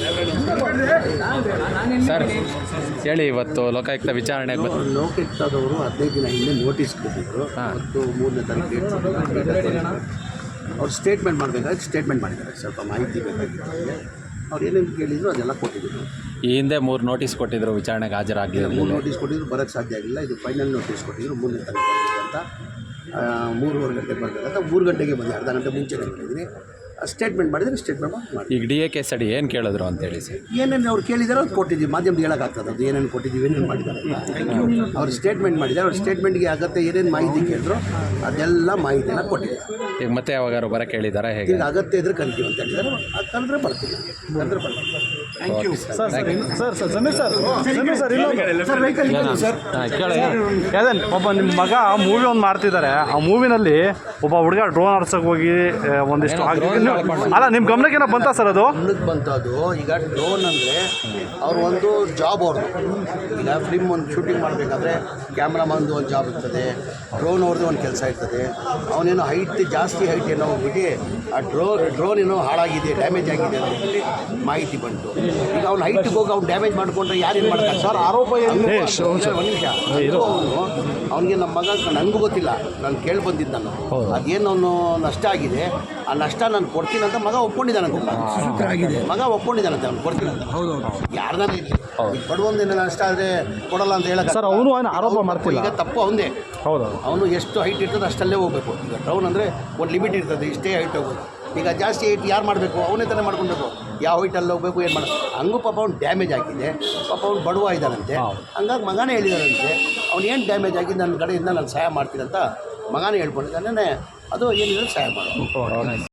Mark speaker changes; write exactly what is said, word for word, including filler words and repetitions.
Speaker 1: Sir ಹೇಳಿ, ಇವತ್ತು ಲೋಕಾಯುಕ್ತ ವಿಚಾರಣೆಗೆ ಬಂದು
Speaker 2: ಲೋಕಾಯುಕ್ತದವರು ಹದಿನೈದು ದಿನ ಹಿಂದೆ ನೋಟಿಸ್ ಕೊಟ್ಟಿದ್ದರು. ಮತ್ತು ಮೂರನೇ ತಾರೀಕು ಅವ್ರು ಸ್ಟೇಟ್ಮೆಂಟ್ ಮಾಡಬೇಕಾದ್ರೆ ಸ್ಟೇಟ್ಮೆಂಟ್ ಮಾಡಿದ್ದಾರೆ. ಸ್ವಲ್ಪ ಮಾಹಿತಿ ಬೇಕಾಗಿತ್ತು. ಅವ್ರು ಏನೇನು ಕೇಳಿದ್ರು ಅದೆಲ್ಲ ಕೊಟ್ಟಿದ್ದರು.
Speaker 1: ಈ ಹಿಂದೆ ಮೂರು ನೋಟಿಸ್ ಕೊಟ್ಟಿದ್ರು, ವಿಚಾರಣೆಗೆ ಹಾಜರಾಗಲಿಲ್ಲ.
Speaker 2: ಮೂರು ನೋಟಿಸ್ ಕೊಟ್ಟಿದ್ರು, ಬರೋಕ್ಕೆ ಸಾಧ್ಯ ಆಗಿಲ್ಲ. ಇದು ಫೈನಲ್ ನೋಟಿಸ್ ಕೊಟ್ಟಿದ್ರು, ಮೂರನೇ ತಾರೀಕು ಬರಬೇಕಂತ. ಮೂರುವರೆ ಗಂಟೆಗೆ ಬರಬೇಕಂತ ಮೂರು ಗಂಟೆಗೆ ಬಂದೆ, ಅರ್ಧ ಗಂಟೆ ಮುಂಚೆನೇ ಬಂದಿದ್ದೀನಿ. ಸ್ಟೇಟ್ಮೆಂಟ್ ಮಾಡಿದರೆ ಸ್ಟೇಟ್ಮೆಂಟ್ ಮಾಡಿ.
Speaker 1: ಈಗ ಡಿ ಎ ಕೇಸ್ ಅಡಿ ಏನು ಕೇಳಿದ್ರು ಅಂತೇಳಿ ಸರ್?
Speaker 2: ಏನೇನು ಅವ್ರು ಕೇಳಿದಾರೋ ಅದು ಕೊಟ್ಟಿದ್ದೀವಿ. ಮಾಧ್ಯಮದಲ್ಲಿ ಹೇಳೋಕ್ಕಾಗ್ತದೆ ಅದು ಏನೇನು ಕೊಟ್ಟಿದ್ದೀವಿ, ಏನೇನು ಮಾಡಿದ್ದಾರೆ. ಅವ್ರು ಸ್ಟೇಟ್ಮೆಂಟ್ ಮಾಡಿದ್ದಾರೆ. ಅವ್ರ ಸ್ಟೇಟ್ಮೆಂಟ್ಗೆ ಅಗತ್ಯ ಏನೇನು ಮಾಹಿತಿ ಕೇಳಿದ್ರು ಅದೆಲ್ಲ ಮಾಹಿತಿಯನ್ನು ಕೊಟ್ಟಿದ್ದಾರೆ.
Speaker 1: ಈಗ ಮತ್ತೆ ಯಾವಾಗಾರು ಬರೋಕ್ಕೆ ಹೇಳಿದಾರಾ ಹೇಗೆ?
Speaker 2: ಈಗ ಅಗತ್ಯ ಇದ್ರೆ ಕರಿತೀವಿ ಅಂತ ಹೇಳಿದ್ದಾರೆ. ಅದು ಕಂಡ್ರೆ ಬರ್ತೀನಿ, ಕಂಡ್ರೆ ಬರ್ತೀನಿ. Thank you
Speaker 3: sir. Sir sir Sameer sir Sameer sir ಇನ್ನೊಂದು ಸರ್ ಯಾವ್ದೇನು ಒಬ್ಬ ನಿಮ್ಮ ಮಗ ಮೂವಿ ಒಂದು ಮಾಡ್ತಿದ್ದಾರೆ. ಆ ಮೂವಿನಲ್ಲಿ ಒಬ್ಬ ಹುಡುಗ ಡ್ರೋನ್ ಆಡ್ಸೋಕೆ ಹೋಗಿ ಒಂದಿಷ್ಟು ಅಲ್ಲ, ನಿಮ್ಮ ಗಮನಕ್ಕೆ ಏನೋ ಬಂತಾ ಸರ್? ಅದು
Speaker 2: ಗಮನಕ್ಕೆ ಬಂತದ್ದು. ಈಗ ಡ್ರೋನ್ ಅಂದರೆ ಅವ್ರು ಒಂದು ಜಾಬ್ ಅವ್ರದ್ದು. ಈಗ ಫಿಲ್ಮ್ ಒಂದು ಶೂಟಿಂಗ್ ಮಾಡಬೇಕಾದ್ರೆ ಕ್ಯಾಮ್ರಾಮನ್ದು ಒಂದು ಜಾಬ್ ಇರ್ತದೆ, ಡ್ರೋನ್ ಅವ್ರದ್ದು ಒಂದು ಕೆಲಸ ಇರ್ತದೆ. ಅವನೇನೋ ಹೈಟ್ ಜಾಸ್ತಿ ಹೈಟ್ ಏನೋ ಹೋಗ್ಬಿಟ್ಟು ಆ ಡ್ರೋ ಡ್ರೋನ್ ಏನೋ ಹಾಳಾಗಿದೆ, ಡ್ಯಾಮೇಜ್ ಆಗಿದೆ ಅಂತ ಹೇಳಿ ಮಾಹಿತಿ ಬಂತು. ಈಗ ಅವ್ನು ಹೈಟಿಗೆ ಹೋಗಿ ಅವ್ನು ಡ್ಯಾಮೇಜ್ ಮಾಡಿಕೊಂಡ್ರೆ ಯಾರೇನು ಮಾಡ್ತಾರೆ ಸರ್? ಆರೋಪ ಒಂದು ನಿಮಿಷ, ಅವನು ಅವನಿಗೆ ನಮ್ಮ ಮಗ ನನಗೂ ಗೊತ್ತಿಲ್ಲ, ನಾನು ಕೇಳಿ ಬಂದಿದ್ದು ನಾನು. ಅದೇನು ಅವನು ನಷ್ಟ ಆಗಿದೆ, ಆ ನಷ್ಟ ನಾನು ಕೊಡ್ತೀನಿ ಅಂತ ಮಗ ಒಪ್ಕೊಂಡಿದ್ದಾನಂತೆ. ಮಗ ಒಪ್ಕೊಂಡಿದ್ದಾನಂತೆ ಅವ್ನು ಕೊಡ್ತೀನಿ ಅಂತ. ಯಾರ್ದಾನ ಇರಲಿ, ಈಗ ಬಡವೊಂದೇನು ನಷ್ಟ ಆದರೆ ಕೊಡಲ್ಲ ಅಂತ ಹೇಳಕ್ಕೆ
Speaker 3: ಸರ್ ಅವನು ಆರೋಪ ಮಾಡ್ತಿಲ್ಲ.
Speaker 2: ಈಗ ತಪ್ಪು ಅವನೇ.
Speaker 3: ಹೌದು,
Speaker 2: ಅವನು ಎಷ್ಟು ಹೈಟ್ ಇರ್ತದೆ ಅಷ್ಟಲ್ಲೇ ಹೋಗಬೇಕು. ಈಗ ಡ್ರೌನ್ ಅಂದರೆ ಒಂದು ಲಿಮಿಟ್ ಇರ್ತದೆ, ಇಷ್ಟೇ ಹೈಟ್ ಹೋಗೋದು. ಈಗ ಜಾಸ್ತಿ ಹೈಟ್ ಯಾರು ಮಾಡಬೇಕು? ಅವನೇ ತಾನೇ ಮಾಡ್ಕೊಬೇಕು. ಯಾವ ಹೈಟಲ್ಲಿ ಹೋಗಬೇಕು, ಏನು ಮಾಡೋದು. ಹಂಗೂ ಪಾಪ ಅವ್ನು ಡ್ಯಾಮೇಜ್ ಆಗಿದೆ. ಪಾಪ ಅವ್ನು ಬಡವ ಇದ್ದಾನಂತೆ. ಹಂಗಾಗಿ ಮಗನೇ ಹೇಳಿದಾನಂತೆ ಅವ್ನು ಏನು ಡ್ಯಾಮೇಜ್ ಆಗಿದೆ ನನ್ನ ಕಡೆಯಿಂದ ನಾನು ಸಹಾಯ ಮಾಡ್ತೀನಿ ಅಂತ ಮಗನೇ ಹೇಳ್ಕೊಂಡಿದ್ದಾನೆ. ಅದು ಏನಿದ್ರೆ ಸಹಾಯ ಮಾಡೋದು.